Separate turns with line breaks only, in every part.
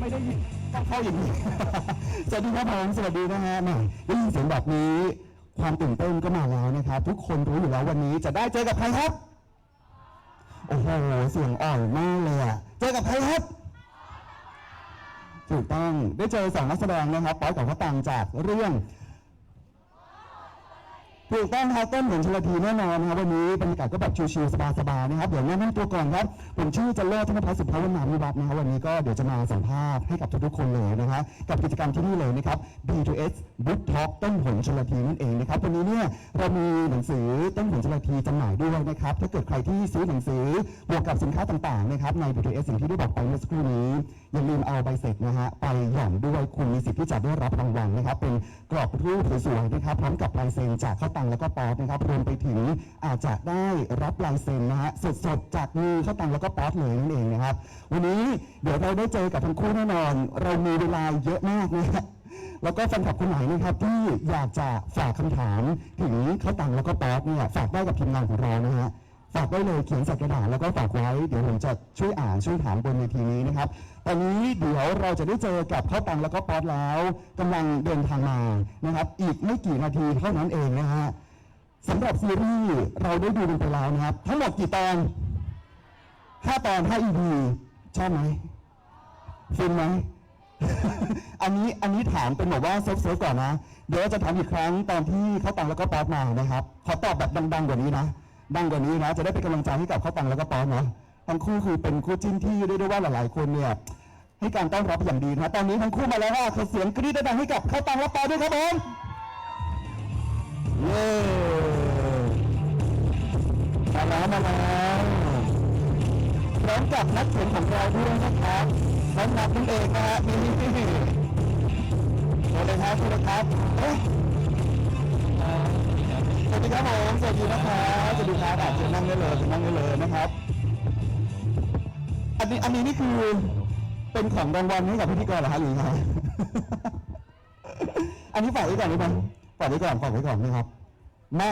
ไม่ได้ยินต้องเข้าอย่างนี้ สวัสดีครับผมสวัสดีนะฮะแหมได้ยินเสียงแบบนี้ความตื่นเต้นก็มาแล้วนะครับทุกคนรู้อยู่แล้ววันนี้จะได้เจอกับใครครับโอ้โหเสียงอ่อนมากเลยอะเจอกับใครครับถูกต้องได้เจอสองนักแสดงนะครับป๊อปกับข้าวตังจากเรื่องถูกต้องครับต้นเหมือนชลทีแน่นอนนะครับวันนี้บรรยากาศก็แบบชิลๆสบายๆนะครับเดี๋ยวแนะนำตัวก่อนครับผมชื่อจันเลิศธนภัสสุภาวนาวิวัฒน์นะครับวันนี้ก็เดี๋ยวจะมาสัมภาษณ์ให้กับทุกๆคนเลยนะครับกับกิจกรรมที่นี่เลยนะครับ B2S Book Talk ต้นผลชลทีนั่นเองนะครับวันนี้เนี่ยเรามีหนังสือต้นผลชลทีจำหน่ายด้วยนะครับถ้าเกิดใครที่ซื้อหนังสือบวกกับสินค้าต่างๆนะครับใน B2S สิ่งที่ได้บอกไปเมื่อสักครู่นี้อย่าลืมเอาใบเสร็จนะฮะไปหย่อนด้วยคุณมีสิทธิ์ที่จะได้รับรางวัลนะครับเป็นกรอบรูปสวยๆนะครับพร้อมกับลายเซ็นจากข้าวตังแล้วก็ป๊อปนะครับรวมไปถึงอาจจะได้รับลายเซ็นนะฮะสดๆจากมือข้าวตังแล้วก็ป๊อปเลยนั่นเองนะครับวันนี้เดี๋ยวเราได้เจอกับทั้งคู่แน่นอนเรามีเวลาเยอะมากนะฮะแล้วก็แฟนคลับคนไหนนะครับที่อยากจะฝากคำถามถึงข้าวตังแล้วก็ป๊อปเนี่ยฝากได้กับทีมงานของเรานะฮะฝากได้เลยเขียนใส่กระดาษแล้วก็ฝากไว้เดี๋ยวผมจะช่วยอ่านช่วยถามบนเวทีนี้นะครับตอนนี้เดี๋ยวเราจะได้เจอกับข้าวตังแล้วก็ป๊อปแล้วกำลังเดินทางมานะครับอีกไม่กี่นาทีเท่านั้นเองนะฮะสำหรับซีรีส์เราได้ดูกันไปแล้วนะครับทั้งหมดกี่ตอน5 ตอน5 EP ชอบไหมฟินไหม อันนี้ถามเป็นแบบว่าเซฟก่อนนะเดี๋ยวจะถามอีกครั้งตอนที่ข้าวตังแล้วก็ป๊อปมานะครับขอตอบแบบดังๆกว่านี้นะดังกว่านี้นะจะได้เป็นกำลังใจให้กับข้าวตังแล้วก็ป๊อปนะทั้งคู่คือเป็นคู่จิ้นที่เรียกได้ว่าหลายๆคนเนี่ยให้การต้อนรับอย่างดีนะตอนนี้ทั้งคู่มาแล้วว่าขอเสียงกรี๊ดดังๆให้กับข้าวตังและป๊อปด้วยครับผมเย้มาแล้วพร้อมกับนักเขียนของเราด้วยนะครับน้องนัทนั่นเองนะฮะนี่สวัสดีครับสวัสดีครับสวัสดีครับผมสวัสดีนะครับสวัสดีครับเชิญนั่งได้เลยนะครับอันนี้นี่คือเป็นของรางวัลให้กับพิธีกรเหรอฮะหรือไง อันนี้ฝากไว้ก่อนได้ไหมฝากไว้ก่อนนะครับมา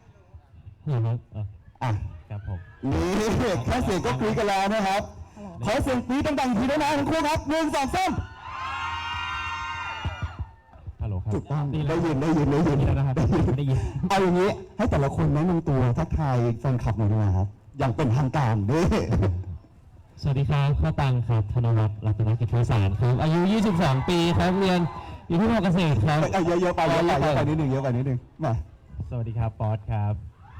อ่ะ
ครับผม
นี่แค่เสียงก็กรี๊ดกันแล้วนะครับขอเสียงกรี๊ดดังๆทีด้วยนะทั้งคู่ครับ1 2 3
ฮัลโหลครับ
ถูกต้องได้ยิน
นะครับได้ยิน
เอาอย่างนี้ให้แต่ละคนแนะนำตัวทักทายแฟนคลับหน่อยนะครับอย่างเป็นทางการด้วย
สวัสดีครับข้าวตังครับธนวัฒน์รัตนกิจไพศาลครับอายุ22 ปีครับเรียนอยู่ที่มอเกษตรครับ
เยอะไปนิดนึงมา
สวัสดีครับป๊อตครับ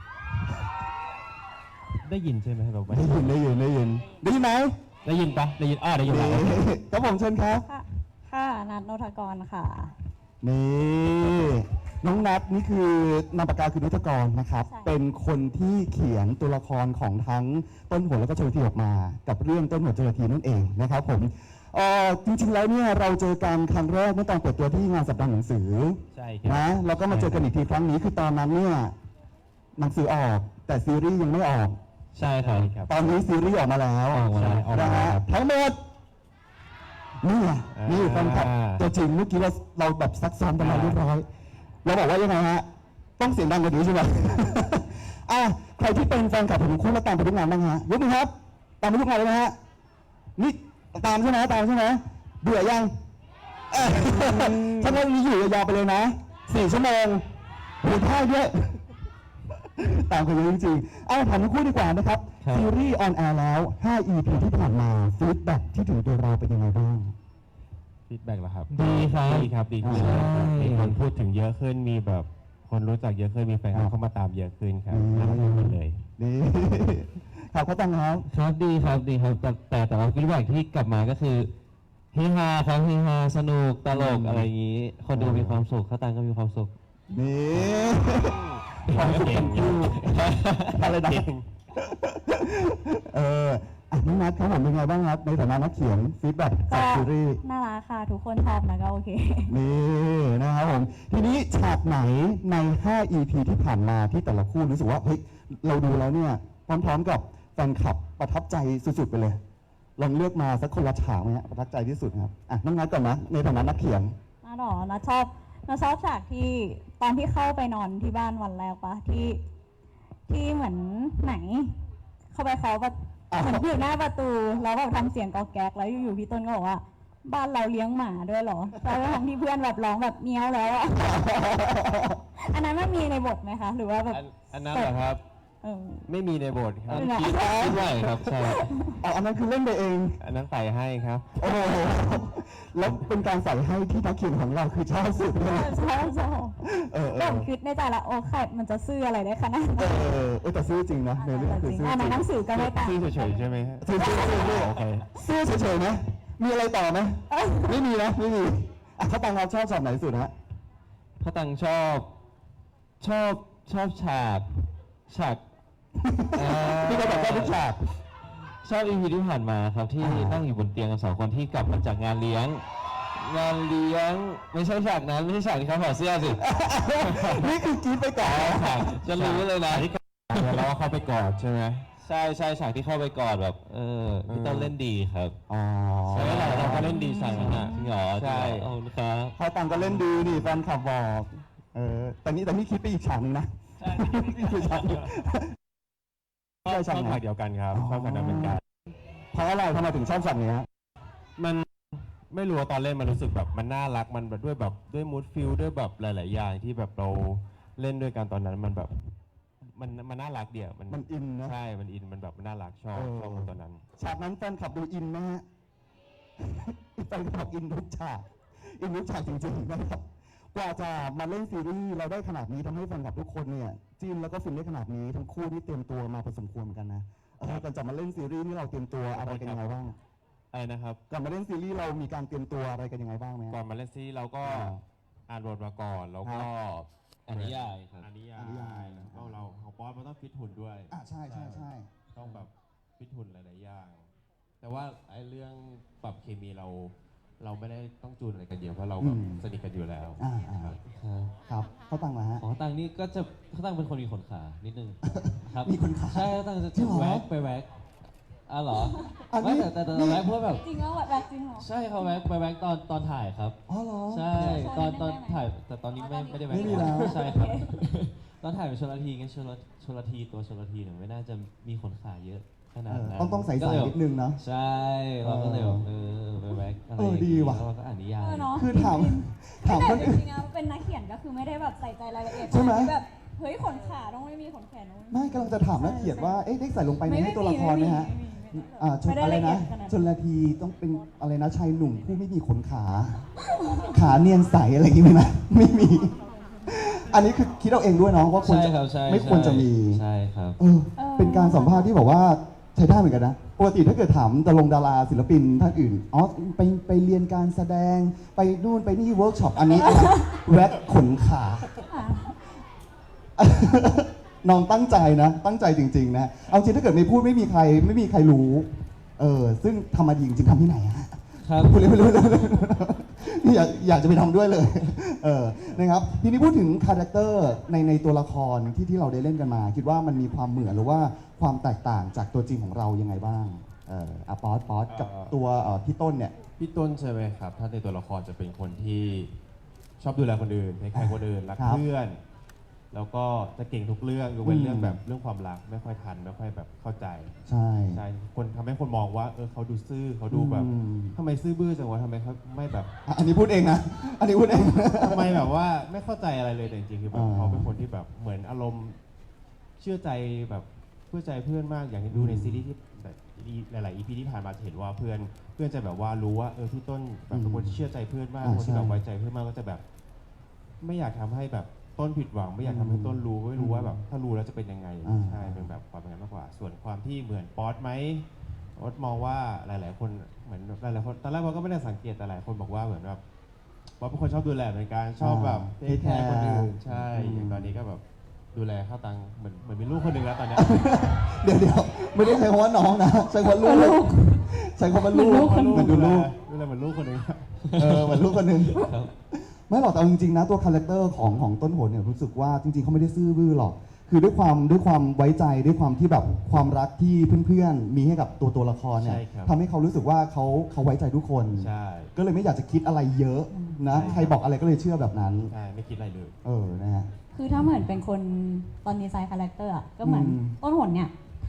ได้ยินใช่ไหมบอกว่า
ได้ยินไหม
ได้ยินปะได้ยินได้ยิน
ครับผมเชิญครับ
ค่ะนัทโนทกรค่ะ
นี่น้องนัทนี่คือนามปากกาคือนุทกรนะครับเป็นคนที่เขียนตัวละครของทั้งต้นหัวแล้วก็ชลทีออกมากับเรื่องต้นหัวชลทีนั่นเองนะครับผมจริงๆแล้วเนี่ยเราเจอกันครั้งแรกเมื่อตอนเปิดตัวที่งานสัปดาห์หนังสือ
ใช่ครับ
นะแล้วก็มาเจอกันอีกทีครั้งนี้คือตอนนั้นเนี่ยหนังสือออกแต่ซีรีส์ยังไม่ออก
ใช่ครับ
ตอนนี้ซีรีส์ออกมาแล้วนะฮะทั้งหมดนี่แฟนคลับตัวจริงเมื่อกี้เราแบบซักซ้อมกันมาเรียบร้อยเราบอกว่ายังไงฮะต้องเสียงดังกว่านี้ใช่ไหมใครที่เป็นแฟนคลับผมคู่และตามไปทุกงานบ้างฮะยกมือครับตามไปทุกงานเลยนะฮะนี่ตามใช่ไหมเบื่อยังถ้าเราอยู่ยาวไปเลยนะ4 ชั่วโมงหูท่าเยอะตามกันเยอะจริงๆถามทั้งคู่ดีกว่านะครับซีรีส์ออนแอร์แล้ว5 EP ที่ผ่านมาฟีดแบ็กที่ถึงตัวเราเป็นยังไงบ้าง
ฟีดแบ็กเหรอครับดีครับดีขึ้นมีคนพูดถึงเยอะขึ้นมีแบบคนรู้จักเยอะขึ้นมีแฟนเข้ามาตามเยอะขึ้นครับน่ารักขึ้นเลย
นี่ข่าวเขาตั้ง
ครับดีครับแต่ว่าฟีดแบ็กที่กลับมาก็คือเฮฮาครับเฮฮาสนุกตลกอะไรอย่างนี้คนดูมีความสุขเขาตังก็มีความสุข
นี่ความสุขทั้งคู่อะไรนะน้องนัทเขาเป็นไงบ้างครับในฐานะนักเขียนฟีดแบ็กจากซีรีส์
น่ารักค่ะทุกคนชอบนะก็โอเค
นี่นะครับผมทีนี้ฉากไหนใน5 EP ที่ผ่านมาที่แต่ละคู่รู้สึกว่าเฮ้ยเราดูแล้วเนี่ยพร้อมๆกับแฟนคลับประทับใจสุดๆไปเลยลองเลือกมาสักคนละฉากไหมฮะประทับใจที่สุดครับน้องนัทก่อนนะในฐานะนักเขียน
นัทชอบฉากที่ตอนที่เข้าไปนอนที่บ้านวันแรกปะที่เหมือนไหนเข้าไปเขาแบบเหมือนอยู่หน้าประตูแล้วแบบทำเสียงกอกแก๊กแล้วอยู่ๆพี่ต้นก็บอกว่าบ้านเราเลี้ยงหมาด้วยเหรอทั้งที่เพื่อนแบบร้องแบบเมี้ยวแล้วอะ อันนั้นมันมีในบทไหมคะ หรือว่าแบบ
อันนั้นเหรอครับ
เออ
ไม่มีในบทครับ
ไม่มี
คิดไว้ครับใช่
อ๋ออันนั้นคือเล่นไปเอง
อันนั้นใส่ให้ครับ
โอ้โหแล้วเป็นการใส่ให้ที่นักเขียนของเราคือชอบสุดเลย
ใช่ใช่
เออ
แบบคิดในใจละโอ้ใครมันจะซื่ออะไรได้ขนาดนั้น
แต่ซื่อจริงนะในเรื่อง
จ
คือ
ริง
ซื่อ
อ่ะ
จ
ใน
ริง
หนังสือก็ไม่ต่าง
ชื่อเฉยๆใช่ไหมฮะ
ซื่อซื่อ
โอเค
ซื่อเฉยๆนะมีอะไรต่อไหมไม่มีนะไม่มีอ่ะเขาตังเราชอบช็อตไหนสุดฮะ
พระตังชอบฉาก
พี่ก็บอกว่าทุกฉาก
ชอบอีพีที่ผ่านมาครับที่ นั่งอยู่บนเตียงกัน2 คนที่กลับมาจากงานเลี้ยง ไม่ใช่ฉากนั้นไม่ใช่ฉากที่เขาถอดเสื้อสิ
นี่คือกรีดไปก่อน
จะรู้เลยนะแล้วว่าเขาไปกอดใช่ไหมใช่ฉากที่เข้าไปกอดแบบพี่ต้นเล่นดีครับ
อ๋อ
ใช่เราก็เล่นดีฉากนั้นอ่ะจริงเหรอใช่ขอบคุณครับ
เขาตังก็เล่นดีนี่แฟนคลับบอกแต่นี่คิดไปอีกฉากหนึงนะคือฉากหนึ่ง
ชอบฉากเดียวกันครับชอบฉากนั้นเหมือนกัน
เพราะอะไรทำไมถึงชอบฉากนี้ฮะ
มันไม่รู้ว่าตอนเล่นมันรู้สึกแบบมันน่ารักมันแบบด้วยมูดฟิลด้วยแบบหลาย ๆ อย่างที่แบบเราเล่นด้วยกันตอนนั้นมันแบบมันน่ารักเดียว
มันอินนะ
ใช่มันอินมันแบบมันน่ารักชอบมันตอนนั้น
ฉากนั้นแฟนคลับดูอินไหมฮะ แฟนคลับอินทุกฉากจริงๆนะครับกว่าจะมาเล่นซีรีส์เราได้ขนาดนี้ทำให้แฟนคลับทุกคนเนี่ยจิ้นแล้วก็ฟินได้ขนาดนี้ทั้งคู่นี่เตรียมตัวมาพอสมควรเหมือนกันนะก่อนจะมาเล่นซีรีส์นี่เราเตรียมตัวอะไรกันยังไงบ้าง
อะไรนะครับ
ก่อนมาเล่นซีรีส์เรามีการเตรียมตัวอะไรกันยังไงบ้างไหมฮะ
ก่อนมาเล่นซีรีส์เราก็
อ่า
อ่านบทมาก่อนแล้วก็
อ่านนิยายครับ
อ่านนิยา
อ่านนิยาย
ยแล้วก็เราของป๊อตมันต้องฟิตหุ่นด้วย
ใช่
ต้องแบบฟิตหุ่นหลาย ๆ อย่าง แต่ว่าไอ้เรื่องปรับเคมีเราไม่ได้ต้องจูนอะไรกันเยอะเพราะเราแบบสนิทกันอยู่แล้ว
ครับ
ครับเขาตังมาฮะ
อ๋อตังนี่ก็จะเขาตังเป็นคนมีขนขานิดนึงครับ
มีขนขา
ใช่ตังจะ
จริงเหรอ
แว็กไปแว็กเหรอ
อันนี้
ไม่แต่แว็กเพราะแบบ
จริงว่าแบบจริงเหรอ
ใช่เขาแว็กไปแว็กตอนถ่ายครับ
อ๋อเหรอ
ใช่ตอน
ได้ไหม
ถ่ายแต่ตอนนี้ไม่ได้แว็ก
ไม่มีแล้ว
ใช่ครับ ตอนถ่ายเป็นชลทีไงชลทีตัวชลทีเนี่ยไม่น่าจะมีขนขาเยอะขนาดนั้น
ต้องใส่
ก็เลย
นิดนึงเนาะ
ใช่เราก็เลยแบบไปแว็กอะไรอย่าง
ดี
งี้
ว่ะ
แล้วเราก็อ่านนิยาย
เนาะ
คือถามค
แต่
น
จ
อื่น
ริงๆอะเป็นนักเขียนก็คือไม่ได้แบบใส่ใจรายละเอียด
ใช่ไหม
ที่แบบเฮ้ยขนขาต้องไม่มีขนแขนต้อง
ไม่กำลังจะถามนักเขียนว่าได้ใส่ลงไปในให้ตัวละครไหมฮะ ชน
ไม่ได้
อะไร
ละเอีย
นะ
ดขนาด
ชนละทีต้องเป็นอะไรนะชายหนุ่มผู้ไม่มีขนขา ขาเนียนใสอะไรอย่างงี้ไหมนะไม่มี อันนี้คือคิดเอาเองด้วยเนาะว่าควร
ใช่
จะ
ครับใช่
ไม่ควรจะมี
ใช่ครับ
เป็นการสัมภาษณ์ที่บอกว่าใช้ได้เหมือนกันนะปกติถ้าเกิดถามดาราศิลปินท่านอื่นไปเรียนการแสดงไปนู่นไปนี่เวิร์กช็อปอันนี้อะไรแว็กขนขา น้องตั้งใจนะ ตั้งใจจริงๆนะ เอาจริงถ้าเกิดไม่พูดไม่มีใครรู้ ซึ่งทำมาดีจริงๆทำที่ไหนฮะ
ครับ
พูดเลยนี่อยากจะไปทำด้วยเลย นะครับทีนี้พูดถึงคาแรคเตอร์ในตัวละครที่เราได้เล่นกันมา คิดว่ามันมีความเหมือนหรือว่าความแตกต่างจากตัวจริงของเรายังไงบ้างป๊อตกับตัวพี่ต้นเนี่ย
พี่ต้นใช่ไหมครับ ถ้าในตัวละครจะเป็นคนที่ชอบดูแลคนอื่นให้ใครคนอื่นรัก
ครับ
เพื่อน แล้วก็จะเก่งทุกเรื่องยกเว้นเรื่องแบบเรื่องความรักไม่ค่อยทันไม่ค่อยแบบเข้าใจ
ใช่
ใช่คนทำให้คนมองว่าเขาดูซื่อเขาดูแบบ
อืม
ทำไมซื่อบื้อจังวะทำไมเขาไม่แบบ
อันนี้พูดเองนะ อันนี้พูดเอง
ทำไมแบบว่าไม่เข้าใจอะไรเลยแต่จริงๆคือแบบ
อ่า
เขาเป็นคนที่แบบเหมือนอารมณ์เชื่อใจแบบเชื่อใจเพื่อนมากอย่างที่ดูในซีรีส์ที่แบบหลายๆ EP ที่ผ่านมาจะเห็นว่าเพื่อนจะแบบว่ารู้ว่าพี่ต้นแบบเป็นคนที่เชื่อใจเพื่อนมากคนที่แบบไว้ใจเพื่อนมากก็จะแบบ ไม่อยากทำให้แบบต้นผิดหวังไม่อยากทำให้ต้นรู้ไม่รู้ว่าแบบถ้ารู้แล้วจะเป็นยังไงใช่เป็นแบบความเป็นนั้นมากกว่า ส่วนความที่เหมือนป๊อตไหมป๊อตมองว่าหลาย ๆ คนเหมือนหลายๆคนตอนแรกป๊อตก็ไม่ได้สังเกตแต่หลายคนบอกว่าเหมือนแบบป๊อตเป็นคนชอบดูแลเหมือนกันชอบแบบเทคแคร์คนอื่นใช่อย่างตอนนี้ก็แบบดูแลเข้าตังเหมือนมีลูกคนหนึ่งแล้วตอนเนี้ย
เดี๋ยวไม่ได้ใช้คำว่าน้องนะ ใช้คำว่าลูกใช้คำว่าลูกเหมือนดูลูก
ดูแลเหมือนลูกคนหนึ่ง
เหมือนลูกคนหนึ่งไม่หรอกแต่เอาจริงๆนะตัวคาแรคเตอร์ของต้นโหนเนี่ยรู้สึกว่าจริงๆเขาไม่ได้ซื่อบื้อหรอกคือด้วยความไว้ใจด้วยความที่แบบความรักที่เพื่อนๆมีให้กับตัวละครเนี่ย
ใช่ครับ
ทำให้เขารู้สึกว่าเขาไว้ใจทุกคน
ใช่
ก็เลยไม่อยากจะคิดอะไรเยอะนะ
ใช่
ใครบอกอะไรก็เลยเชื่อแบบนั้น
ใช่ไม่คิดอะไรเลย
นะฮะ
คือถ้าเหมือนเป็นคนตอนดีไซน์คาแรคเตอร์อะก็เหมือน
อืม
ต้นหนเนี่ยท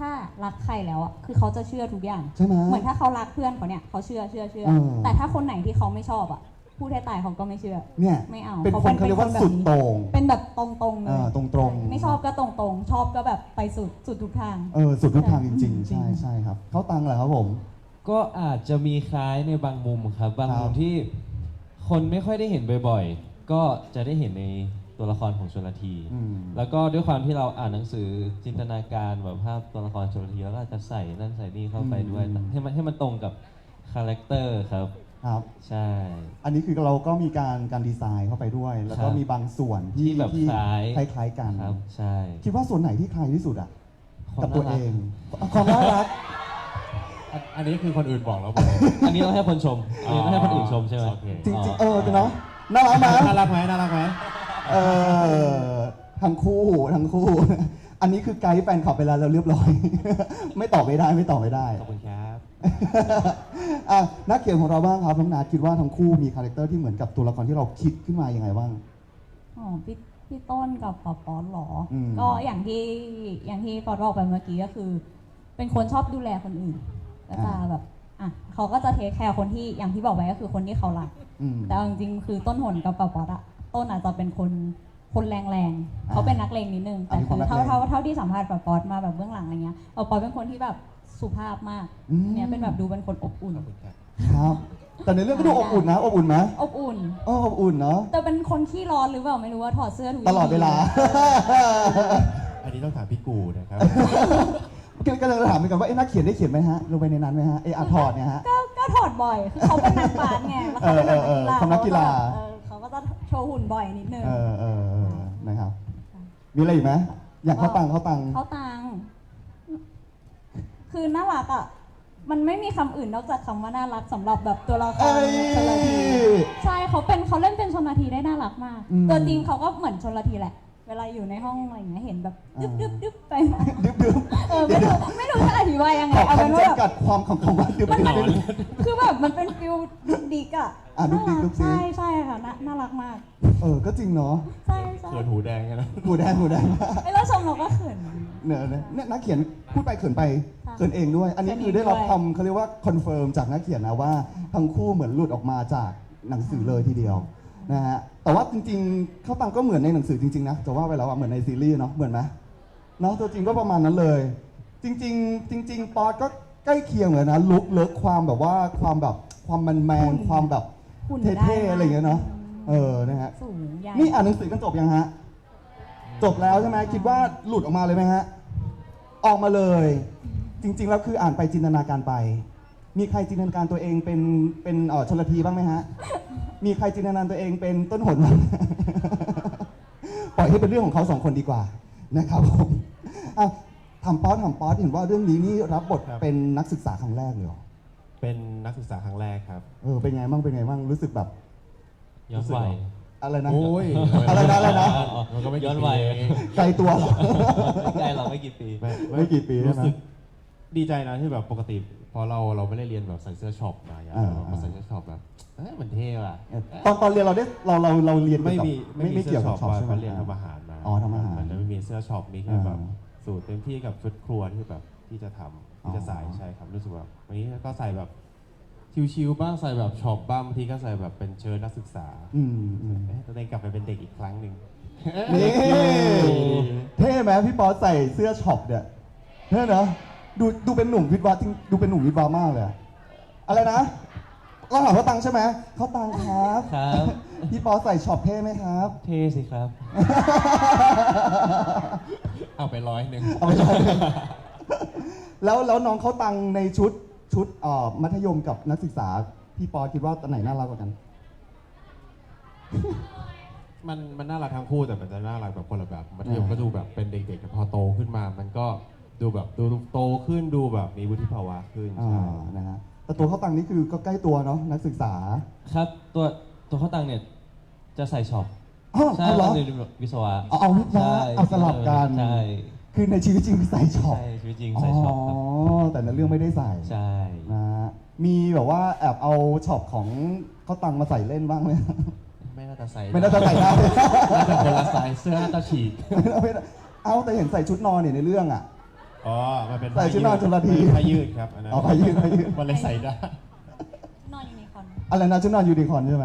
ถ้ารักใครแล้วอ่ะคือเขาจะเชื่อทุกอย่าง
ใช่ไหม
เหมือนถ้าเขารักเพื่อนเขาเนี่ยเขาเชื่อ แต่ถ้าคนไหนที่เขาไม่ชอบอ่ะพูดให้ตายเขาก็ไม่เชื่อ
เนี่ย
ไม่เอา
เป็นคนเขาเรียกว่าสุดโต่ง
เป็นแบบตรงๆเลย
ตรงๆ
ไม่ชอบก็ตรงๆชอบก็แบบไปสุดทุกทาง
สุดทุกทางจริง
จริ
ๆ
ง
ใช่ครับเขาตังเหรอครับผม
ก็อาจจะมีคล้ายในบางมุมครับ บาง
ครับ
มุมที่คนไม่ค่อยได้เห็นบ่อยๆ ก็จะได้เห็นในตัวละครของชลที แล้วก็ด้วยความที่เราอ่านหนังสือจินตนาการแบบภาพตัวละครชลทีแล้วก็อาจจะใส่นั่นใส่นี่เข้าไปด้วย ให้มันตรงกับคาแรคเตอร์ครับ
ครับ
ใช่
อันนี้คือเราก็มีการดีไซน์เข้าไปด้วย แล้วก็
ครับ
มีบางส่วน
ที่แบบคล้าย
คล้ายๆกัน
ครับใช่
คิดว่าส่วนไหนที่คล้ายที่สุดอ่ะ
ความ
กับตัว
น่ารั
เอก งความน่ารัก
อันนี้คือคนอื่นบอกแล้วผม
อันนี้ต้องให้คนชมอันนี้ต้องให้คนอื่นชมใช่ไหม
โอเค
จริงๆเนาะน่ารักไหม
น่ารักไหมน่ารักไหม
ทั้งคู่ อันนี้คือไกด์แฟนคลับไปแล้วเราเรียบร้อย ไม่ตอบไม่ได้
ขอบคุณครับ
อ่ะนักเขียนของเราบ้างครับน้องนาคิดว่าทั้งคู่มีคาแรคเตอร์ที่เหมือนกับตัวละครที่เราคิดขึ้นมายังไงบ้าง
อ๋อพี่ต้นกับป๊อปหรออ
ม
ก็อย่างที่ป๊อปบอกไปเมื่อกี้ก็คือ เป็นคนชอบดูแลคนอื่นก็จะแบบอ่ะเขาก็จะเทคแคร์คนที่อย่างที่บอกไปก็คือคนที่เขารัก
อืม
แต่เอาจริงๆคือต้นหนกับป๊อปอะต้นอาจจะเป็นคนแรงๆเขาเป็นนักเลงนิดนึงแต่คือเท่าที่สัมภาษณ์ป๊อปมาแบบเบื้องหลังอะไรเงี้ยป๊อปเป็นคนที่แบบสุภาพมากเนี่ยเป็นแบบดูเป็นคนอบอุ่น
ขอบคุณครับ
ครับ แต่ในเรื่องก็ดูอบอุ่นนะ อบอุ่นไหม
อบอุ่น
อบอุ่นเนาะ
แต่เป็นคนขี้ร้อนหรือเปล่าไม่รู้ว่าถอดเสื้อทุก
ตลอดเวลา
อันนี้ต้องถามพี่กูนะครับ
ก็เลยถามไปก่อนว่านักเขียนได้เขียนไหมฮะลงไปในนั้นไหมฮะอาถอดเนี่ยฮะ
ก็ถอดบ่อยคือเขาเป็นนักบาสไงแล้วเขาเป็นนักกีฬา
เขานักกีฬา
เขาก็จะโชว์หุ่นบ่อยนิดนึง
นะครับ มีอะไรอีกไหมอยากเข้าตัง
เขาตังคือน่ารักอ่ะมันไม่มีคำอื่นนอกจากคำว่าน่ารักสำหรับแบบตัวละครชลทีใช่เขาเล่นเป็นชลทีได้น่ารักมาก ตัวจริงเขาก็เหมือนชลทีแหละ เวลาอยู่ในห้องอะไรอย่างเงี้ยเห็นแบบดึบไปมา
ดึบ
ไม่รู้จะอธิบายยังไง
ขอ
เอาเป็น
คำ
ว่าแบบ
จำกัดความของคำว่าดึบ
คือแบบมันเป็นฟิลดุกดิกอ่ะ
ดุกดิกดุกดิก
ใช่ค่ะน่ารักมาก
ก็จริงเนาะ
ใช่
เขินหูแดงกันนะ
หูแดง
ไอ้เราชมเราก็เขิน
เนี่ยนักเขียนพูดไปเขินไป
ค่ะ
เขินเองด้วย อันนี้
เขินเอง
คือได้รับ
ด้วย
คำเขาเรียกว่าคอนเฟิร์มจากนักเขียนนะว่าทั้งคู่เหมือนหลุดออกมาจากหนังสือเลยทีเดียวนะฮะแต่ว่าจริงๆเขาตังก็เหมือนในหนังสือจริงๆนะจะว่าไปแล้วอะเหมือนในซีรีส์เนาะเหมือนไหมเนาะตัวจริงก็ประมาณนั้นเลย จริงๆป๊อตก็ใกล้เคียงเลยนะลุคเลิกความแบบว่าความแมนความแบบ
หุ่นได้
เท่ๆอะไรอย่างเงี้ยเนาะนะฮะ
สูงใหญ่
นี่อ่านหนังสือกันจบยังฮะ จบแล้วใช่ไหมคิดว่าหลุดออกมาเลยไหมฮะ ออกมาเลย จริง ๆ แล้วคืออ่านไปจินตนาการไป มีใครจินตนาการตัวเองเป็นชลทีบ้างไหมฮะ มีใครจินตนาการตัวเองเป็นต้นหนบ้าง ปล่อยให้เป็นเรื่องของเขาสองคนดีกว่านะครับผมอ่ะถามป๊อตเห็นว่าเรื่องนี้นี่รับบท
ครับ
เป็นนักศึกษาครั้งแรกเลยเหรอ
เป็นนักศึกษาครั้งแรกครับ
เป็นไงบ้างรู้สึกแบบ
ย้อนวัย
อะไรนะ
โอ้ย
อะไรนะ
มันก็ไม่
ย้อนวัย
กี่ปีเอง
ไกลตัวเหรอ
ไม่ไกลเราไม่กี่ปี
ไม่กี่ปีใช่
รู้
ไหม
สึกดีใจนะที่แบบปกติพอเราไม่ได้เรียนแบบใส่เสื้อช็อปมาอย่าง
อ่า
เรามาใส่เสื้อช็อปแบบมันเท่ว่ะ
ตอนเรียนเราเรียน
ไม่มี
ไม่เกี่ยวกับช็อป
ว่า
ใช่ไหม
เขาเรียนทำอาหารมา
อ๋อทำอาหาร
มันจะไม่มีเสื้อช็อปมีแค่แบบ
อ่า
สูตรเต็มที่กับชุดครัวที่แบบที่จะทำที่จะใส่
อ๋อ
ใช่ครับรู้สึกแบบวันนี้ก็ใส่แบบชิวๆบ้างใส่แบบช็อปบ้างบางทีก็ใส่แบบเป็นเชิ้ตนักศึกษา
อืม
ตัวเองกลับไปเป็นเด็กอีกครั้งหนึ่ง
นี่เท่ไหมพี่ป๊อตใส่เสื้อช็อปเนี่ยเท่เนอะดูเป็นหนุ่มวิทย์วะจริงดูเป็นหนุ่มวิทย์วะมากเลยอะอะไรนะเราถามเขาตังค์ใช่ไหมเขาตังค์ครับ
ครับ
พี่ป๊อตใส่ช็อปเท่ไหมครับ
เท่สิครับ
เอาไป100
เอาไปเลยแล้วน้องเขาตังค์ในชุดมัธยมกับนักศึกษาพี่ป๊อตคิดว่าตัวไหนน่ารักกว่ากัน
มันน่ารักทั้งคู่แต่มันจะน่ารักแบบคนละแบบมัธยมก็ดูแบบเป็นเด็กๆแต่พอโตขึ้นมา มันก็ดูแบบดูโตขึ้นดูแบบมีวุฒิภาวะขึ้นใช่
นะฮะแต่ตัวเขาตังค์นี่คือก็ใกล้ตัวเนาะนักศึกษา
ครับตัวข้าวตังเนี่ยจะใส่ช็อป
อ้าว
ใช่
เอาเหรอ
เรียนวิศวะ
เอาวิทย์วะ
ใช่
เอาสลับกัน
ใช่
คือในชีวิตจริงคือใส่ช็อป
ใช่ชีวิตจริงใส่ช็อปครับ
แต่ในเรื่องไม่ได้ใส่
ใช่
นะฮะมีแบบว่าแอบเอาช็อปของเขาตังค์มาใส่เล่นบ้างไหม
ไม่น่าจะใส่
ไม่น่าจะใส่ได้
น่าจะคนละไซส์เสื้อน่าจะฉีก
เอาแต่เห็นใส่ชุดนอนเนี่ยในเรื่องอ่ะ
อ๋อมันเป็น
ใส่ชุดนอนชลธี
ผ้ายืดครับอันนั้น
เอาผ้ายืด
มันเลยใส่ได้
นอนอยู่ในคอน
อะไรนะชุดนอนยูนิคอร์นใช่ไหม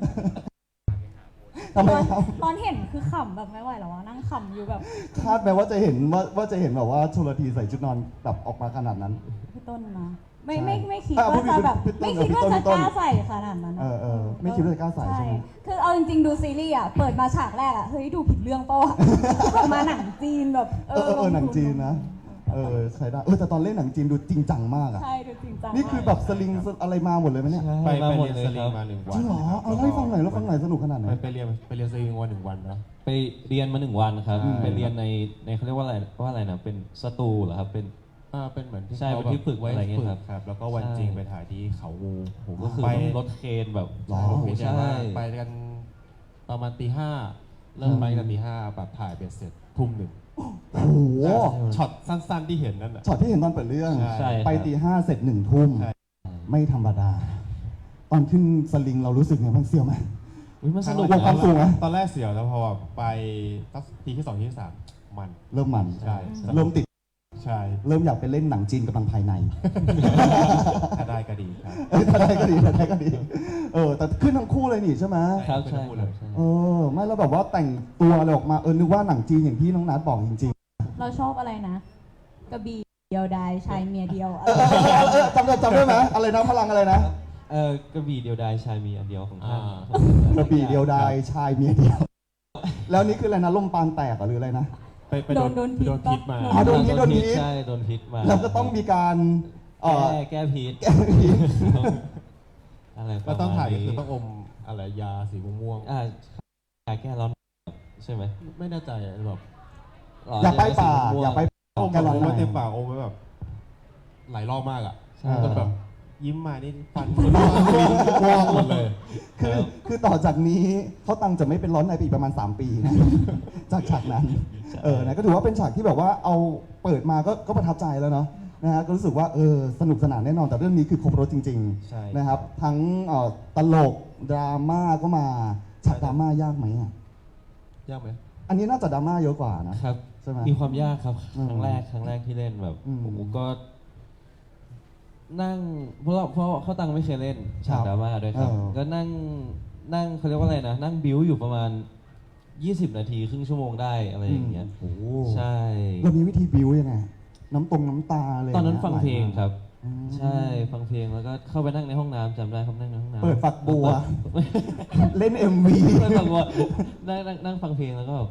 ทำไมครับ
ตอนเห็นคือขำแบบไม่ไหวแล้วอะนั่งขำอยู่แบบ
คาดไหมว่าจะเห็นว่าจะเห็นแบบว่าชลธีใส่ชุดนอนแบบออกมาขนาดนั้น
พี่ต้นนะไม่
ใช่
ไม่คิด
อ่ะ
ว่าจะแบบ
พี่ต้น
ไม่คิดว่า
พี่
จะ
ต้น
กล้าใส่ขนาดนั้น
เออไม่คิดว่าจะกล้าใส่ใช่ไหม
คือเอาจริงๆดูซีรีส์อ่ะเปิดมาฉากแรกอ่ะเฮ้ยดูผิดเรื่องเปล่าวะแบบมาหนังจีนแบบ
หนังจีนนะใช่ได้แต่ตอนเล่นหนังจีนดูจริงจังมากอ่ะ
ใช่ดูจริงจัง
นี่คือแบบสลิงอะไรมาหมดเลยไหมเนี่ย
ไป
มาหมด
เรียน
เลย
สลิ
ค
ง
รับ
มา1 วัน
จริงเหรอเอาเล่าให้ฟังหน่อยแล้วฟังหน่อยสนุกขนาดไหน
ไปเรียนสลิงวัน1 วันนะ
ไปเรียนมา1 วันครับ
อืม
ไปเรียนในเขาเรียกว่าอะไรนะเป็นสตูเหรอครับเป็น
เป็นเหมือนที่
ใช่
เขา
เป็นที่ฝึก
ไว้
อะไรเงี้ยครับ
ครับ แล้วก็วัน
ใช่
จริงไปถ่ายที่เขางู
ผมก็คือ
ไป
ต้องรถเคนแบบ
หรอ
โอ้โห
ใช่
ใช่
ไปกันประมาณตี 5เริ่มไปกันตี 5แบบถ่ายเบ็ดเสร็จทุ่ม 1
โอ้โห
ช็อตสั้นๆที่เห็นนั่นน่ะ
ช็อตที่เห็นตอนเปิดเรื่อง
ใช่
ไปตี 5เสร็จ1 ทุ่ม
ใช่
ไม่ธรรมดา ตอนขึ้นสลิงเรารู้สึกไงบ้างเสียวไหม
อุ๊ยมันสนุก
กลัวความสูงไหม
ตอนแรกเสียวแล้วพอแบบไปตั้งทีที่ 2 ที่ 3 มัน
เริ่มมัน
ใช่
เริ่มติด
ใช่
เริ่มอยากไปเล่นหนังจีนกำลังภายใน
ถ้าได้ก็ดีครับ
ถ้าได้ก็ดีแต่ขึ้นทั้งคู่เลยนี่ใช่ไหม
ครับ
ใช่
ใช่
พูด
ค
เล
รับ
ย
ใช่
ไม่แล้วแบบว่าแต่งตัวอะไรออกมานึกว่าหนังจีนอย่างที่น้องนัทบอกจริง
เราชอบอะไรนะกระบี่เดียวดายชายเมียเดียวอะไร
ๆจำได้ไหมอะไรนะพลังอะไรนะ
กระบี่เดียวดายชายมีอันเดียวของท่าน
กระบี่เดียวดายชายเมียเดียว แล้วนี่คืออะไรนะลมปานแตกหรืออะไรนะ
ไปโดนพิษมา
อ๋อโดนพิษ
ใช่โดนพิษมา
แล้วก็ต้องมีการ
แก้พิษ
แก้พิษ
อะไรประ
ก็
มาณ
ต้องถ่ายก็
นี้
คือต้องอมอะไรยาสีม่วง
ยาแก้ร้อนใช่ไหม
ๆไม่แน่ใจแบบ
อย่าไปป่า
สีม่วง
อย่าไป
อม
แกลลอน
ไว้
ใน
เต็มปากอมไว้แบบหลายรอบมากอ่ะ
ใช่
จนแบบยิ้มมานี่ฟันม่วงหมดเลย
คือต่อจากนี้เขาตังจะไม่เป็นร้อนในไปอีกประมาณ 3 ปีนะ จากฉากนั้นนะก็ถือว่าเป็นฉากที่แบบว่าเอาเปิดมาก็ประทับใจแล้วเนาะนะฮะก็รู้สึกว่าสนุกสนานแน่นอนแต่เรื่องนี้คือครบรถจริง
ใช่
ๆนะครับทั้งตลกดราม่าก็มาฉากดราม่ายากไหมอ่ะ
ยากไหม
อันนี้น่าจะดราม่าเยอะกว่านะครับ ใช่ไหม
มีความยากครับ
อืม
ครั้งแรกที่เล่นแบบ
อืม
ผมก็นั่งเพราะเขาตังไม่เคยเล่นฉากดราม่าด้วยครับ ก็นั่งเขาเรียกว่าอะไรนะนั่งบิ้วอยู่ประมาณ 20 นาทีครึ่งชั่วโมงได้อะไรอย่างเงี้ย
โอ้โห
ใช่
เรามีวิธีบิวยังไงน้ำตาเลย
ตอนนั้นฟังเพลงครับ
อืม
ใช่ฟังเพลงแล้วก็เข้าไปนั่งในห้องน้ำจำได้ครับนั่งในห้องน้ำ
เปิดฝักบัว เล่น MV
เปิดฝักบัวนั่งฟังเพลงแล้วก็แบบ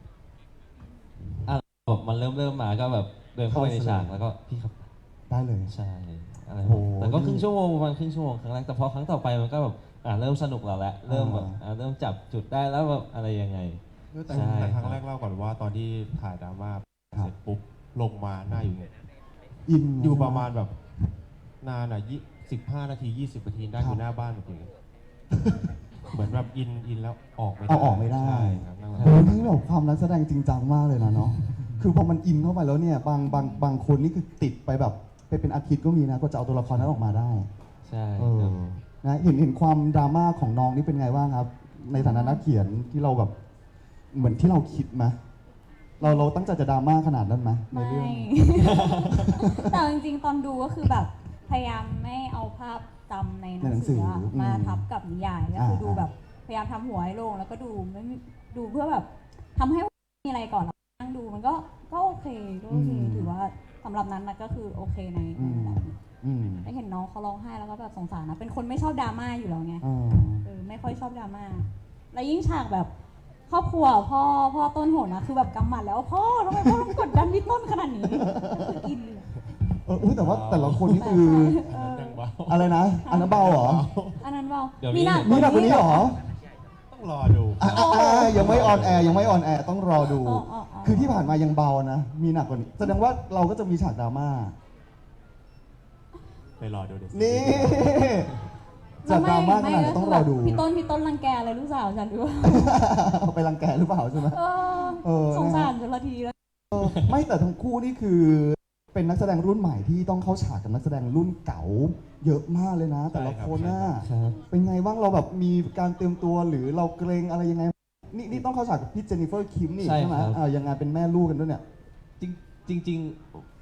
แบบมันเริ่มมาก็แบบเดินเข้าไปในฉากแล้วก็พี่ครับ
ได้เลย
ใช่อะไร
โอ้โห
แต่ก็ครึ่งชั่วโมงประมาณครึ่งชั่วโมงครั้งแรกแต่พอครั้งต่อไปมันก็แบบเริ่มสนุกแล้วแหละเริ่มแบบเริ่มจับจุดได้แล้วแบบอะไรยังไง
แต่
ใช่
แต่ครั้งแรกเล่าก่อนว่าตอนที่ถ่ายดราม่าเสร็จปุ๊บลงมาหน้าอยู่เนี่ย
อิน
อยู่ประมาณแบบนานอ่ะ15 นาที 20 นาทีได้อยู่หน้าบ้านแบบนี้เหมือนแบบอินแล้วออกไม่ได้
เอาออกไม่ได้
ใช่ครับนั่ง
โอ้ยนี่แบบความนักแสดงจริงจังมากเลยนะเนาะคือพอมันอินเข้าไปแล้วเนี่ยบางคนนี่คือติดไปแบบไปเป็นอาทิตย์ก็มีนะก็จะเอาตัวละครนั้นออกมาได้
ใช่
เอ
ค
อ
รับ
นะเห็นความดราม่าของน้องนี่เป็นไงบ้างครับ ในฐานะนักเขียนที่เราแบบเหมือนที่เราคิดไหมเราตั้งใจจะดราม่าขนาดนั้นไหมใน
ไม่
เรื่อง
แต่จริงๆตอนดูก็คือแบบพยายามไม่เอาภาพจำในหนังสืออะมาทับกับนิยายก็คือดูแบบพยายามทำหัวให้โล่งแล้วก็ดูไม่ดูเพื่อแบบทำให้มีอะไรก่อนแล้วนั่งดูมันก็โอเคถือว่าสำหรับนั้นนะก็คือโอเคในแบบนี้
อืม
ได้เห็นน้องเขาร้องไห้แล้วก็แบบสงสารนะเป็นคนไม่ชอบดราม่าอยู่แล้วไง ไม่ค่อยชอบดราม่าแล้วยิ่งฉากแบบครอบครัวพ่อต้นโหดนะคือแบบกำหมัดแล้วพ่อทำไมพ่อต้องกดดันพี่ต้นขนาดนี้ก็คืออินเลย
อุ๊ยแต่ว่าแต่ละคนนี่คือ
ยังเบา
อะไรนะ อันนั้นเบาเหรอ
อันนั้นเปล่า
เดี๋ยวนี้
มีหนักกว่านี้เหรอ
ต้องรอดู
ยังไม่ออนแอร์ต้องรอดู คือที่ผ่านมายังเบานะ มีหนักกว่านี้ แสดงว่าเราก็จะมีฉากดราม่า
ไปรอดูเดี๋ยว
นี่จะดราม่าขนาดไหนต้องรอดู
พี่ต้นรังแกอะไรลูกสาวฉันหรือว่า
ไปรังแกหรือเปล่าใช่ไหม
สงสารจนละทีแล้ว
ไม่แต่ทั้งคู่นี่คือเป็นนักแสดงรุ่นใหม่ที่ต้องเข้าฉากกับนักแสดงรุ่นเก่า เยอะมากเลยนะ แต่ละคนน่ะ
ครับ
เป็นไงบ้างเราแบบมีการเตรียมตัวหรือเราเกรงอะไรยังไง นี่ต้องเข้าฉากกับพี่เจนนิเฟอร์คิมนี่
ใช่
ใช่ไหม
ครับ
ยังไงเป็นแม่ลูกกันด้วยเนี่ย
จริง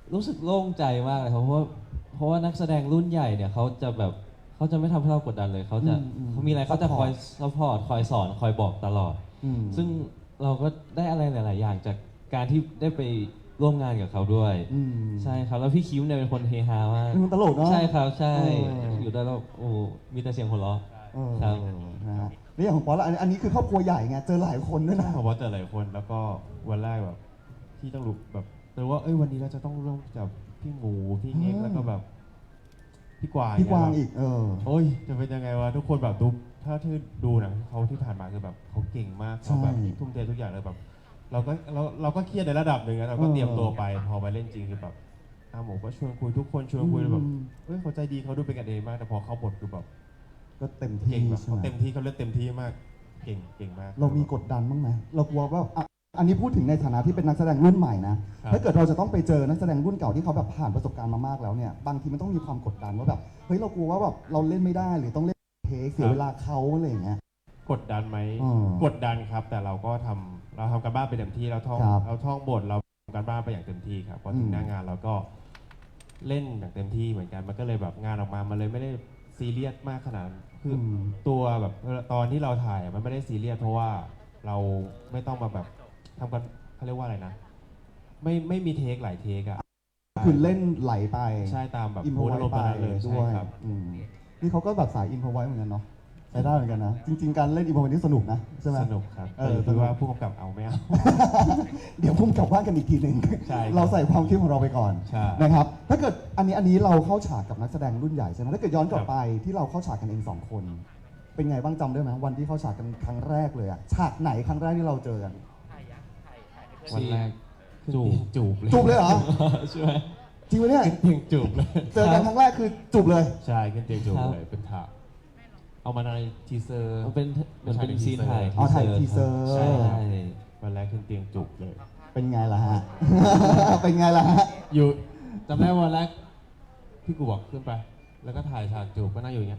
รู้สึกโล่งใจมากเลยครับเพราะว่านักแสดงรุ่นใหญ่เนี่ยเขาจะไม่ทำให้เรากดดันเลยเขาจะเขามีอะไรเขาจะคอยซัพพอร์ตคอยสอนคอยบอกตลอด ซึ่งเราก็ได้อะไรหลาย ๆ อย่างจากการที่ได้ไปร่วมงานกับเขาด้วย ใช่ครับแล้วพี่คิมเนี่ยเป็นคนเฮฮามาก
มันตลกเนาะ
ใช่ครับใช่
เออ
อ
อ
ยู่ได้แล้วโอ้มีแต่เสียงหัวเราะ
เออ
ครับ
นะฮะนี่อย่างของป๊อตละอันนี้คือครอบครัวใหญ่ไงเจอหลายคนด้วยนะ
ผมว่าเจอหลายคนแล้วก็วันแรกแบบที่ต้องรู้แบบรู้ว่าวันนี้เราจะต้องร่วมกับพี่หมูพี่เง็กแล้วก็แบบพี่กวาง
พี่กวาง
เนี่ย
อีก
โอ้ยจะเป็นยังไงวะทุกคนแบบดูถ้าที่ดูหนังเขาที่ผ่านมาคือแบบเขาเก่งมากเขาแบบทุ่มเททุกอย่างเลยแบบเราก็เครียดในระดับหนึ่งนะเราก็เตรียมตัวไปพอมาเล่นจริงคือแบบอาหมูก็ชวนคุยทุกคนชวนคุยแบบเขาใจดีเขาดูเป็นกันเองมากแต่พอเขาบทคือแบบ
ก็เต็มที่
เก่งแบบ
ใช่
เขา
ไหม
เต็มที่เขาเล่นเต็มที่มากเก่งมาก
เรามีกดดันบ้างไหมเรากลัวว่าอันนี้พูดถึงในฐานะที่เป็นนักแสดงรุ่นใหม่นะ ถ้าเกิดเราจะต้องไปเจอนักแสดงรุ่นเก่าที่เขาแบบผ่านประสบการณ์มามากแล้วเนี่ย บางทีมันต้องมีความกดดันว่าแบบ เฮ้ยเรากลัวว่าแบบเราเล่นไม่ได้หรือต้องเล่นเทคเสียเวลาเขาอะไรอย่างเงี้ย
กดดันไหม
อืม
กดดันครับ แต่เราก็ทำการบ้านไปเต็มที่เราท่อง
ครับ
เราท่องบทเราทำการบ้านไปอย่างเต็มที่ครับพอถึงหน้างานเราก็เล่นอย่างเต็มที่เหมือนกันมันก็เลยแบบงานออกมามันเลยไม่ได้ซีเรียสมากขนาดนั้นคืออ
ม
ตัวแบบตอนที่เราถ่ายมันไม่ได้ซีเรียสเพราะว่าเราไม่ต้องมาแบบทำกันเขาเรียกว่าอะไรนะ ไม่มีเทคหลายเทคอะ
คือเล่นไหลไป
ใช่ตามแบบ
อินโพ
มูด
ไว้
อารมณ์
ไป
ตอนนั้นเลย
ด้
ใช่
วย
ครับ
นี่เขาก็แบบสายอินโพไว้เหมือนกันเนาะใช้ได้เหมือนกันนะ จริง ๆ การเล่นอินโพไว้นี่สนุกนะใช่ไหม
สนุกครับ
เอ
แต่
อ
อยู่
สนุ
ที่
ก
ว่าผู้กำกับเอาไม่เอา
เดี๋ยวพุ่งกลับบ้านกันอีกทีหนึ่ง
ใช่ครับ
เราใส่ความคิดของเราไปก่อน
ใช่
นะครับ ถ้าเกิดอันนี้เราเข้าฉากกับนักแสดงรุ่นใหญ่ใช่ไหมถ้าเกิดย้อนกลับไปที่เราเข้าฉากกันเองสองคน เป็นไงบ้างจำได้ไหมวันที่เข้าฉากกันครั้งแรกเลยอะฉากไหนครั้งแรกที่เราเจอกัน
วันแรกจูบเลย
จูบเลยเหรอ
ใช่ไหม
จริงไหมเนี่ย
เตียงจูบเลย
เจอกันครั้งแรกคือจูบเลย
ใช่ขึ้นเตียงจูบ
ครับ
เลยเป็นถาดเอามาในทีเซอร์
มันเป็นเหมือนเป็นซีนถ่าย
อ๋อถ่ายทีเซอร์
ใช่
วันแรกขึ้นเตียงจูบเลย
เป็นไงล่ะฮะ เป็นไงล่ะฮะ
อยู่จำได้วันแรกพี่กูบอกขึ้นไป แล้วก็ถ่ายฉากจูบก็นั่งอยู่อย่างเงี้ย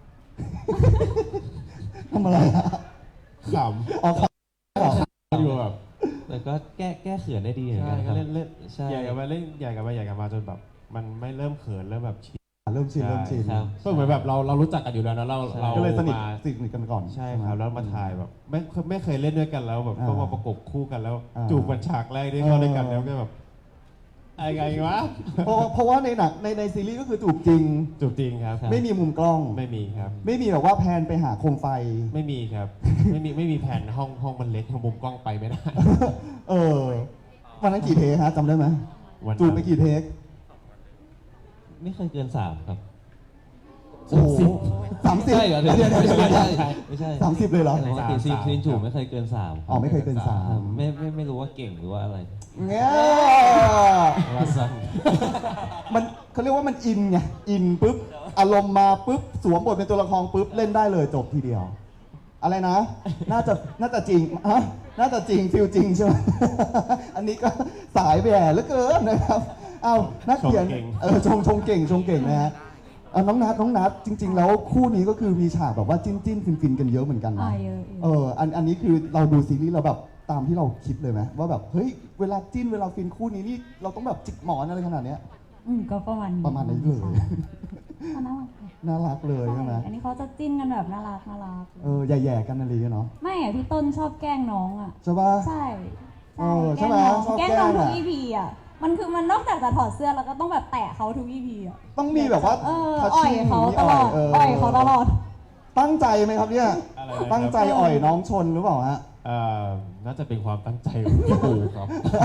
ทำอะไรฮะ
ข
อ๋อครับ
ำอยู่แบบ
แต่ก็แก้เขินได้ดีเหมือน
ใช่
กันค
ก็
รับ
เล่น
ใช่
ใหญ่กันมาเล่นใหญ่กันมาจนแบบ มันไม่เริ่มเขินเริ่มแบบชิน
เริ่มชินเริ่มชิน
ครับ
ก็เหมือนแบบเรารู้จักกันอยู่แล้วนะเรา
ก็เลยสนิท
มา
กันก่อน
ใช่
ไหม
ครับแล้วมาถ่ายแบบไม่เคยเล่นด้วยกันแล้วแบบ
อ่า
ต้องมาประกบคู่กันแล้ว
อ่า
จูบกันฉากแรกที่เข้าด้วยกันแล้วก็แบบอะไรไงวะ
เพราะว่าในหนังในซีรีส์ก็คือจูบจริง
จูบจริงครับ
ไม่มีมุมกล้อง
ไม่มีครับ
ไม่มีแบบว่าแพนไปหาโคมไฟ
ไม่มีครับ ไม่มีแผนห้องมันเล็กมุมกล้องไปไม่ได้
เออวันนั้นกี่เทคฮะจำได้ไหม
วันนั้น
จูบไปกี่เทค
ไม่เคยเกิน3ครับ
โอ้โห30
ใช่เหรอเดี๋ยว
เดี๋ยว
ไม่ใช่ไม่ใช่
30เลยเหรอ
ปกติซีนจูบไม่เคยเกิน3
อ๋อไม่เคยเกิน
ไม่รู้ว่าเก่งหรือว่าอะไร
เงี้ย
ว่าสั้น
มันเขาเรียกว่ามันอินไงอินปุ๊บอารมณ์มาปุ๊บสวมบทเป็นตัวละครปุ๊บเล่นได้เลยจบทีเดียว อะไรนะ น่าจะจริงฮะน่าจะจริงฟิลจริงใช่ไหม อันนี้ก็สายแหย่เหลือเกินนะครับเอานักเขียนชงเก่งนะฮะเอาน้องนัทจริง ๆ แล้วคู่นี้ก็คือมีฉากแบบว่าจิ้นฟินกันเยอะเหมือนกันนะ
เยอะ
อันนี้คือเราดูซีรีส์เราแบบตามที่เราคิดเลยไหมว่าแบบเฮ้ยเวลาจิ้นเวลาฟินคู่นี้นี่เราต้องแบบจิกหมอนอะไรขนาดเนี้ย
ก็ประมาณ
ประมาณนั้นเลย
น่ารัก
น่ารักเลยใช่ไหม
อันนี้เขาจะจิ้นกันแบบน่ารัก
แย่ๆกันอะไรเนาะ
ไม่อะพี่ต้นชอบแกล้งน้องอะ
ใช่ปะ
ใช่
ใช่ไหมชอบ
แกล้งน้อง
แกล้ง
ทุก
อะ
EP อะมันนอกจากจะถอดเสื้อแล้วก็ต้องแบบแตะเขาทุก EP อะ
ต้องมีแบบว่า
อ่
ทัช
อย
ชิ่ง
เขา
มี
ตลอด อ่อยเขาตลอด
ตั้งใจไหมครับเนี่ย
อะไรนะครับ
ตั้งใจอ่อยน้องชนหรือเปล่าฮะ
น่าจะเป็นความตั้งใจของพี่ปูครับ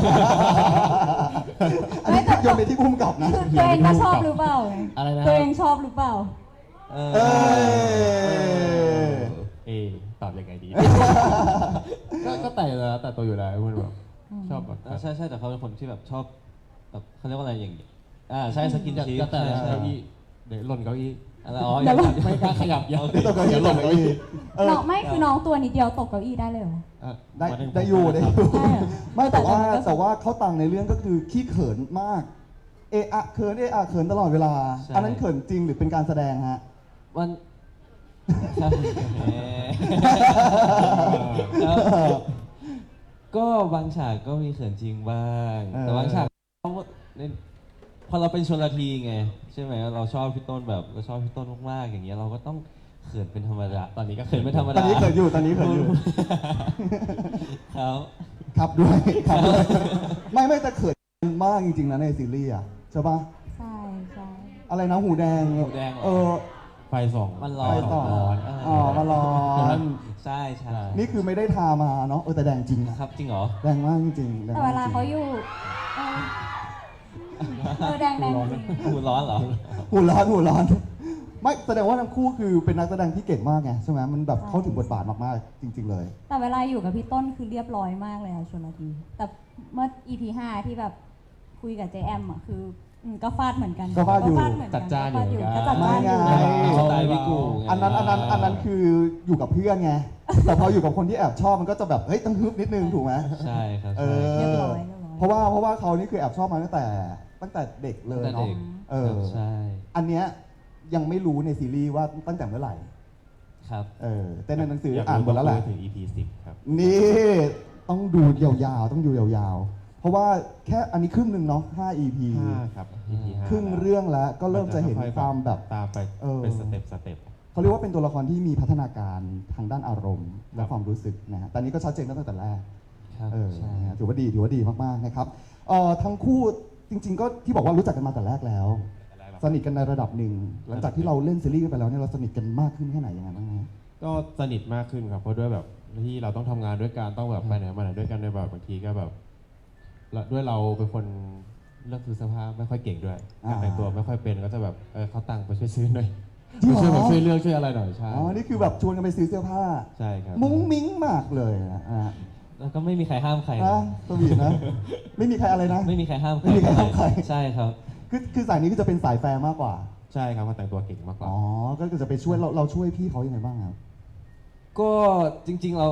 อันนี้โยนไปที่พุ่มกับนะ
คือตัวเองก็ชอบหรือเปล่า
อะไรนะครับ
ตัวเองชอบหรือเปล่า
เอ้ย
ตอบยังไงดี ก็แต่ตัวอยู่แล้วมันแบบชอบแบบ
ใช่แต่เขาเป็นคนที่แบบชอบแบบเขาเรียกว่าอะไรอย่างเงี้ยใช่สกินชิป
แต่
ใช่
เก้าอี้เดี๋ยวหล่นเก้าอี้
อะไรอ๋อ
เดี๋ยว
ไม่กล้าขยับยัง
ตกเก้าอี้ตกเก้าอี้เออ
น้องไม่คือน้องตัวนิดเดียวตกเก้าอี้ได้เลยเหรอ
ได้อยู่
ได้อะ
ไม่แต่ว่า
แต่มันก็
แต่ว่าเขาตังในเรื่องก็คือขี้เขินมาก เอะเขินตลอดเวลา อันนั้นเขินจริงหรือเป็นการแสดงฮะ
มันครับก็บางฉากก็มีเขินจริงบ้าง แต่บางฉากเขาในพอเราเป็นชลทีไงใช่ไหมเราชอบพี่ต้นแบบเราชอบพี่ต้นมากๆอย่างเงี้ยเราก็ต้องเขินเป็นธรรมดาตอนนี้ก็เขินเป็นธรรม
ตอ
ดาน
นี้เขินอยู่ตอนนี้เขินอยู่
ครับ
ครับด้วยครับด้วยไม่แต่เขินมากจริงๆนะในซีรีส์อ่ะใช่ปะ
ใช่ใช่
อะไรนะหูแดง
หูแดงเหรอ
เออ
ไฟส่อง
มันร้อ
ไป
น
ต่อ
ร้อน
อ๋อมาร้อน
ใช่ใช่
นี่คือไม่ได้ทามาเนาะแต่แดงจริงนะครับ
จริงเหรอ
แดงมากจริงๆแดง
แต่
ม
เวลาก
จริง
เขาอยู่เออแดงจริง
หูร้อนเหรอ
หูร้อนไม่แสดงว่าทั้งคู่คือเป็นนักแสดงที่เก่งมากไงใช่ไหมมันแบบเข้าถึงบทบาทมากๆจริง ๆ เลย
แต่เวลาอยู่กับพี่ต้นคือเรียบร้อยมากเลยอะชลทีแต่เมื่อ EP 5 ที่แบบคุยกับเจแอมอะคือก็ฟาดเหมือนกัน
ก็ฟาดอยู่
เหมือน
จั
กั
ด
น
จ้านอยู่
ก็จัดจ้านอยู่
ไม่ไง
สไตล์พี่กูไง
อันนั้นคืออยู่กับเพื่อนไงแต่พออยู่กับคนที่แอบชอบมันก็จะแบบเฮ้ยต้องฮึบนิดนึงถูกไหม
ใช่ครับ
เอ
ใช่
อ
เรียบร้อย
เพราะว่าเขานี่คือแอบชอบมาตั้งแต่เด็กเลย
ตั้งแต่
เนาะ
เด็ก
เออ
ใช่
อันเนี้ยยังไม่รู้ในซีรีส์ว่าตั้งแต่เมื่อไหร่
ครับ
แต่ในหนังสือ
อยาก
อ่านหมดแล้วแหละ
ถึง EP 10ครับ
นี่ต้องดูยาวๆต้องดูยาวๆ เพราะว่าแค่อันนี้ครึ่งหนึ่งเนาะ5 EP
5ครับ EP 5
ครึ่งเรื่องแล้วก็เริ่มจะเห็นความแบบ
ตามไป
เออ
เป็นสเต็ป
เขาเรียกว่าเป็นตัวละครที่มีพัฒนาการทางด้านอารมณ์และความรู้สึกนะฮะแต่นี้ก็ชัดเจนตั้งแต่แรก
ครับใช่
นะฮะถือว่าดีมากๆนะครับทั้งคู่จริง ๆ ก็ที่บอกว่ารู้จักกันมาแต่แรกแล้ว สนิทกันในระดับหนึ่งหลังจากที่เราเล่นซีรีส์กันไปแล้วเนี่ยเราสนิทกันมากขึ้นแค่ไหนยังไงบ้างฮะ
ก็สนิทมากขึ้นครับเพราะด้วยแบบที่เราต้องทำงานด้วยกันต้องแบบไปไหนมาไหนด้วยกันในแบบบางทีก็แบบแล้วด้วยเราเป็นคนเลือกซื้อเสื้อผ้าไม่ค่อยเก่งด้วยการแต่งตัวไม่ค่อยเป็นก็จะแบบเขาตังค์ไปช่วยซื้อหน่อย
จริงเหรอ
ช่วยแบบช่วยเลือกช่วยอะไรหน่อยใช่
อ๋อนี่คือแบบชวนกันไปซื้อเสื้อผ้า
ใช่ครับ
มุ้งมิ้งมากเลยนะฮะ
แล้วก็ไม่มีใครห้ามใคร
นะ
นะ
สวีทนะ ไม่มีใครอะไรนะ
ไม่มีใครห้ามใคร
ไม่มีใครห้ามใคร
ใช่ครับ
คือสายนี้ก็จะเป็นสายแฟร์มากกว่า
ใช่ครับเขาแต่งตัวเก่งมากกว่า
อ๋อ ก็คือจะไปช่วยเราช่วยพี่เขายังไงบ้างครับ
ก็จริงๆ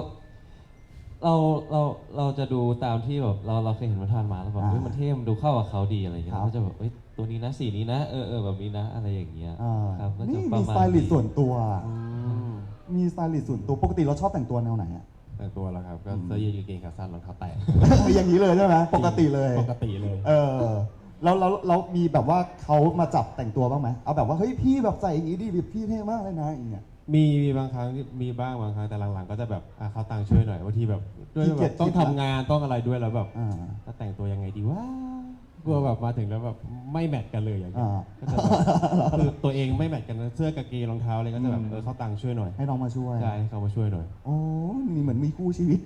เราจะดูตามที่แบบเราเคยเห็นมันทานมาแล้วแบบ
อ่า
เฮ้ยมันเท่มันดูเข้ากับเขาดีอะไรอย่างเงี้ย
ครับ
เราก็จะแบบเอ้ยตัวนี้นะสีนี้นะแบบนี้นะอะไรอย่างเงี้ย
อ่า
ครับก็จะ
นี่
ประ
มี
มา
ส
ณ
ไตลิสต์ส่วนตัว
อืม
มีสไตลิสต์ส่วนตัว ปกติเราชอบแต่งตัวแนวไหนอะ
แต่งตัวแล้วครับ ก็เสื้อยืดกางเกงขาสั้นรองเท้าแตะ
อย่างนี้เลยใช่ไหมปกติเลย
ปกติเลย
เรามีแบบว่าเขามาจับแต่งตัวบ้างไหมเอาแบบว่าเฮ้ยพี่แบบใส่อย่างนี้ดิพี่เท่มากเลยนะอย่างเงี้ย
มีบางครั้งมีบ้างบางครั้งแต่หลังๆก็จะแบบเขาตังค์ช่วยหน่อยบางทีแบบด้วย
ขี้เกี
แบ
ยจ
บต้อง
คิด
ทำ
ละ
งานต้องอะไรด้วยแล้วแบบ
อ่า
จะแต่งตัวยังไงดีวะกลัวแบบมาถึงแล้วแบบไม่แมทกันเลยอย่างเงี้ย
อ่า
ก็จะแบบคือตัวเองไม่แมทกันเสื้อกางเกงรองเท้าอะไรก็จะแบบเขาตังค์ช่วยหน่อย
ให้น้องมาช่วย
ใช่ให้เขามาช่วยหน่อย
โอ้นี่เหมือนมีคู่ชีวิต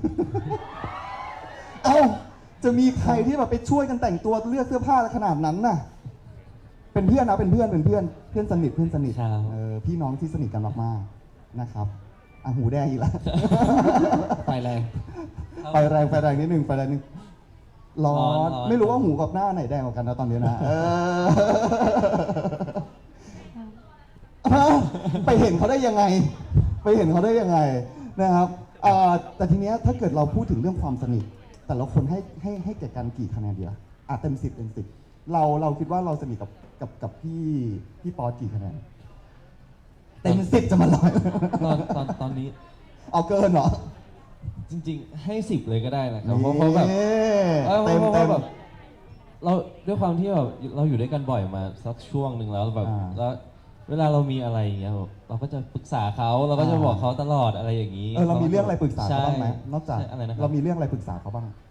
เอ้า จะมีใครที่แบบไปช่วยกันแต่งตัวเลือกเสื้อผ้าขนาดนั้นน่ะ เป็นเพื่อนนะเป็นเพื่อนสนิท
ครับ
พี่น้องที่สนิทกันมากๆนะครับอ่ะหูแดงอีกแล้ว
ไฟแรง
ไฟแรงนิดนึงร้อ
ร้อน
ไม่รู้ว่าหูกับหน้าไหนแดงกว่ากันนะตอนนี้นะไปเห็นเขาได้ยังไงนะครับแต่ทีเนี้ยถ้าเกิดเราพูดถึงเรื่องความสนิทแต่ละคนให้แก่กันกี่คะแนนดีล่ะเต็ม10เราคิดว่าเราสนิทกับพี่ป๊อตกี่คะแนนเต็ม10จะมาร้อย
ตอนนี้
เอาเกินเหรอ
จริงๆให้10เลยก็ได้นะครับเพราะแบบ
เต็ม
เพราะแบบเราด้วยความที่แบบเราอยู่ด้วยกันบ่อยมาสักช่วงหนึ่งแล้วแบบแล้วเวลาเรามีอะไรอย่างเงี้ยแบบเราก็จะปรึกษาเขาเราก็จะบอกเขาตลอดอะไรอย่างนี้
เรามีเรื่องอะไรปรึกษาเขาบ้างไหม
ใช่
นอกจาก
ใช่อะไรนะครับ
เรามีเรื่องอะไรปรึกษาเขาบ้าง